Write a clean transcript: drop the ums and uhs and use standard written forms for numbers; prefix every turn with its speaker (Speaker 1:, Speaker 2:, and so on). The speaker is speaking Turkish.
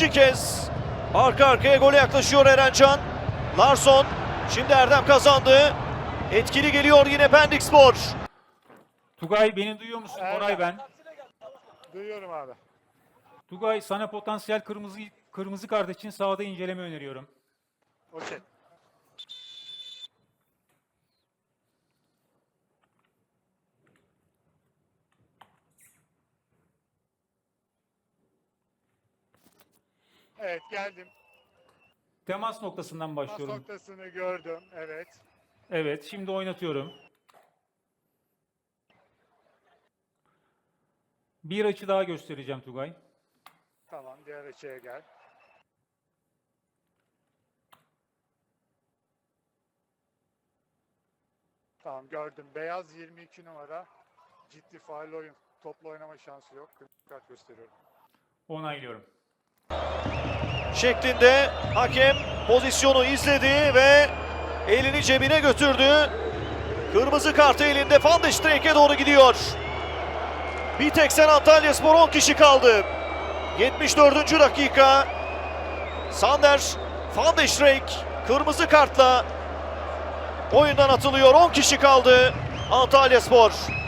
Speaker 1: İkinci kez arka arkaya gole yaklaşıyor Erencan. Larsson, şimdi Erdem kazandı. Etkili geliyor yine Pendikspor.
Speaker 2: Tugay beni duyuyor musun? Koray ben.
Speaker 3: Duyuyorum abi.
Speaker 2: Tugay sana potansiyel kırmızı kart için sahada inceleme öneriyorum.
Speaker 3: Okey. Evet geldim.
Speaker 2: Temas noktasından
Speaker 3: Pas
Speaker 2: başlıyorum.
Speaker 3: noktasını gördüm. Evet.
Speaker 2: Evet, şimdi oynatıyorum. Bir açı daha göstereceğim Tugay.
Speaker 3: Tamam diğer açıya gel. Tamam gördüm. Beyaz 22 numara. Ciddi faal oyun. Topla oynama şansı yok. Kırmızı kart gösteriyorum.
Speaker 2: Onaylıyorum.
Speaker 1: Şeklinde hakem pozisyonu izledi ve elini cebine götürdü. Kırmızı kartı elinde, Van de Streek'e doğru gidiyor. Bir tek sen Antalyaspor 10 kişi kaldı. 74. dakika. Sander Van de Streek kırmızı kartla oyundan atılıyor. 10 kişi kaldı Antalyaspor.